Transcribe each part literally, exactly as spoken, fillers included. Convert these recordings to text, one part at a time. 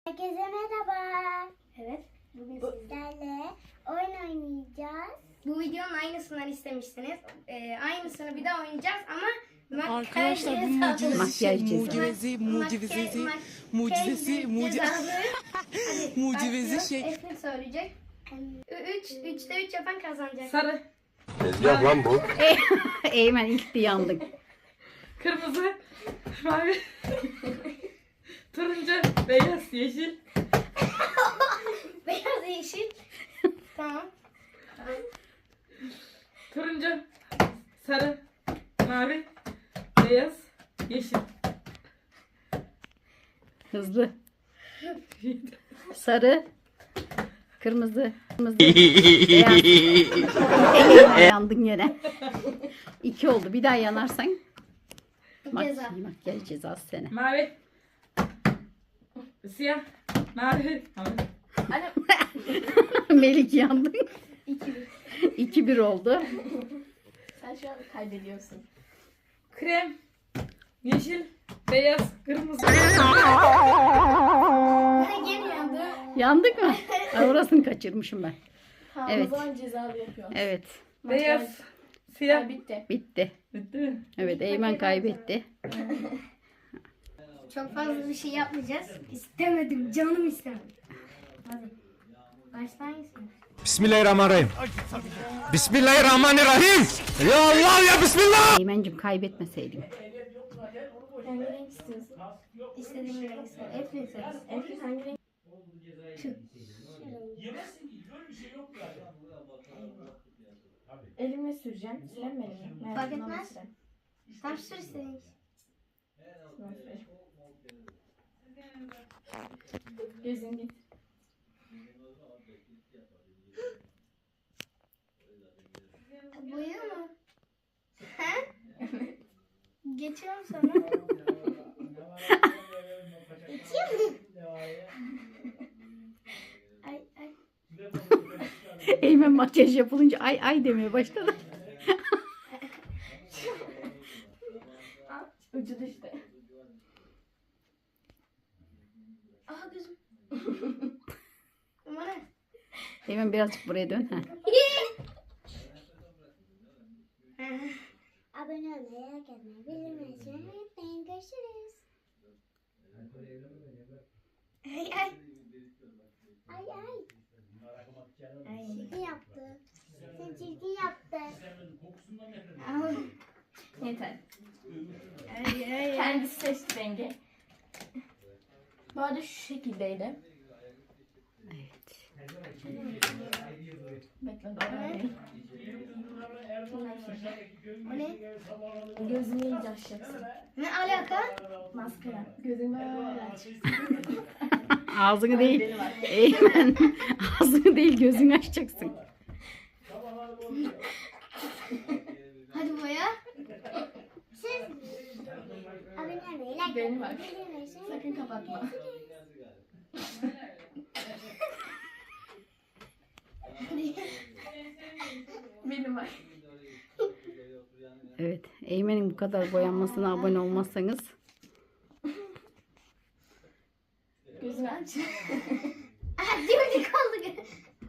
Herkese merhaba. Evet. Bugün sizlerle oyun oynayacağız. Bu videonun aynısından istemişsiniz. Ee, aynısını bir daha oynayacağız ama Arkadaşlar bu mucize, Makyaj cezası. mucizesi, mucizesi, mucizesi, mucizesi, mucizesi şey. Efrin söyleyecek. Üç, üçte üç yapan kazanacak. Sarı, Tezgah lan bu. Eymen ilk de yandık. kırmızı, mavi, turuncu, beyaz, yeşil. Beyaz yeşil. Tamam. Turuncu, sarı, mavi, beyaz, yeşil. Hızlı. Sarı. Kırmızı. Kırmızı. Beyaz. Eymen yandın yine. İki oldu. Bir daha yanarsan. Mak Ceza. makyaj cezası sene. Mavi, siyah, mavi, mavi. Melik yandın. İki bir. İki bir oldu. Sen şu an kaybediyorsun. Krem, yeşil, beyaz, kırmızı. Geri yandı. Yandık mı? Ay, orasını kaçırmışım ben. Tamam, Evet. O zaman cezalı yapıyor. Evet. Beyaz, siyah. Bitti. Bitti. Bitti mi? Evet, Eymen kaybetti. Çok fazla bir şey yapmayacağız. İstemedim. Canım istemedi. Hadi. Başlayın. Bismillahirrahmanirrahim. Bismillahirrahmanirrahim. Ya Allah ya Bismillah. Eymencim kaybetmeseydin. Hangi renk istiyorsun? İstediğin renk iste. Efrin seç. Efrin hangi renk? Şu. Elimle süreceğim. Sürem mi elimi? Fark etmez. Tam sür istediğin. Gözün git. Boya mı? He? Geçiyorum sana. Geçiyor mu? Ay ay. Eymen makyaj yapılınca ay ay demeye başladı. Ucu düştü. Aha gözüm. Ama ne? Eymen birazcık buraya dön. Heh. Abone olmayı, like atmayı, bildirimleri açmayı unutmayın. Görüşürüz. Ay ay. Ay ay. Çirkin yaptı. Sen çirkin yaptın. Yeter. Ay ay ay. Kendisi seçti rengi. Bu arada şu şekildeydi. Evet. Bekle doğru. O ne? Gözünü iyice açacaksın. Ne alaka? Maskara. Gözünü böyle aç. Ağzını değil. Eymen. Ağzını değil gözünü açacaksın. Hadi boya. Siz abone olmayı, like Benim atmayı, bak. bildirimleri açmayı Sakın kapatma. Benim var. Evet. Eymen'in bu kadar boyanmasına abone olmazsanız Gözünü aç. Aha dimdik oldu.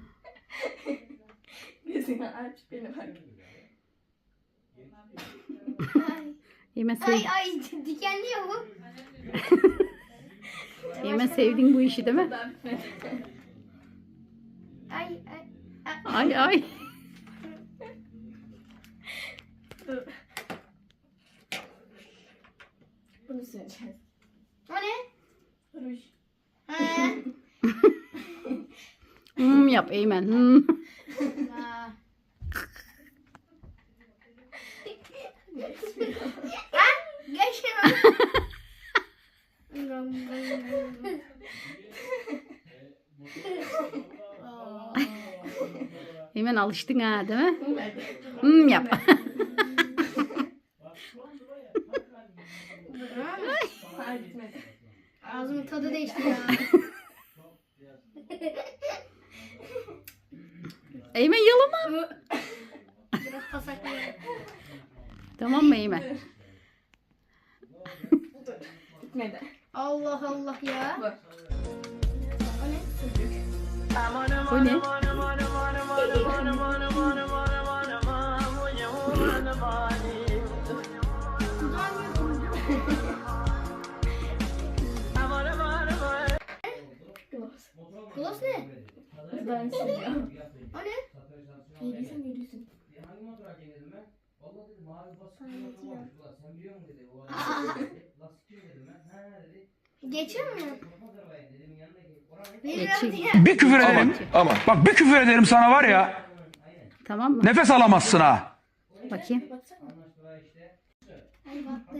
Gözünü aç. Benim var. Ay Eymen, sev ay, ay dikenli ya bu. Eymen sevdin bu işi değil mi? Ay ay. Ay ay. Bunu süreceğiz. O ne? Ruj. Ha. Hmm yap Eymen. Hmm. Aa. Ha? Geçiyorum. Eymen alıştın ha değil mi? Hmm yap. Hayır gitmedi. Ağzımın tadı değişti ya. Eymen yalama. Biraz pasaklıyorum. Tamam mı Eymen? Gitmedi. Allah Allah ya. Bak. O ne? Gloss. Gloss ne? Ben seviyorum. O ne? Yediysen yürüsün. Hangi motor alacağım dedim ben. Vallahi dedi mavi baskı Anlatıyorum. olmamış. Ulan sen biliyor musun dedi. O Aa. arada lastik kim dedim ben. Ha dedi. Geçiyor mu? Korkmaz arabaya dedim yanına gel. Oranın Bilmiyorum. Bir küfür ederim. Ama bak bir küfür ederim sana var ya. Tamam mı? Nefes alamazsın ha. Bakayım. Baksana. anlaştılar işte. Ay baktı.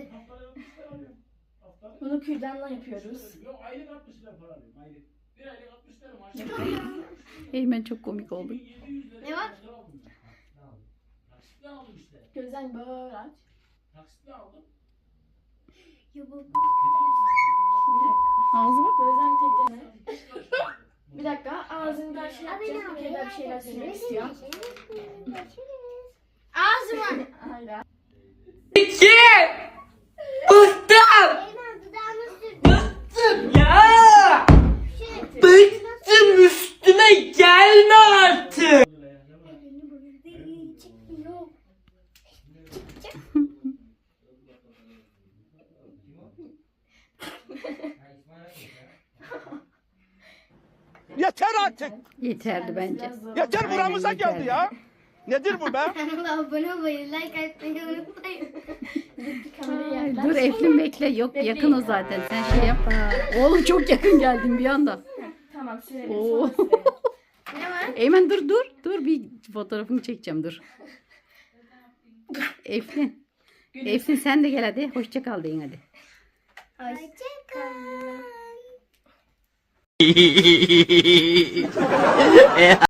Bunu kürdanla yapıyoruz. Yok aylık altmış lira para alıyorum aylık. Bir aylık altmış lira maaş. Eymen çok komik oldu. yedi yüz lira Ne var? lira aldım ben. Taksitle aldım işte. Gözden böyle aç. Taksitle aldım. Ya bu Ağzı bak. Gözden tekleme. Bir dakika ağzını karşı yapacağım. Bir kere daha bir şeyler söylemek istiyorum. Ağzıma. Hayır. İki. Bıktım. Eymen dudağını sürdü. Ya. Bıktım üstüme gelme artık. Elini böyle çekmiyor. Yeter artık. Yeterli bence. Biraz zor. Yeter Aynen, buramıza yeter. geldi ya. Nedir bu be? Kanala abone olmayı, like atmayı unutmayın. Bir kameraya Ay, yaklaş. dur Eflin bekle. Yok yakın o zaten. Sen şey yap. Oğlum çok yakın geldin bir anda. Tamam sürelim. Oo. Sonra sürelim. Ne var? Eymen dur dur. Dur bir fotoğrafını çekeceğim dur. Eflin. Eflin sen de gel hadi. Hoşça kal deyin hadi. Hoşçakal.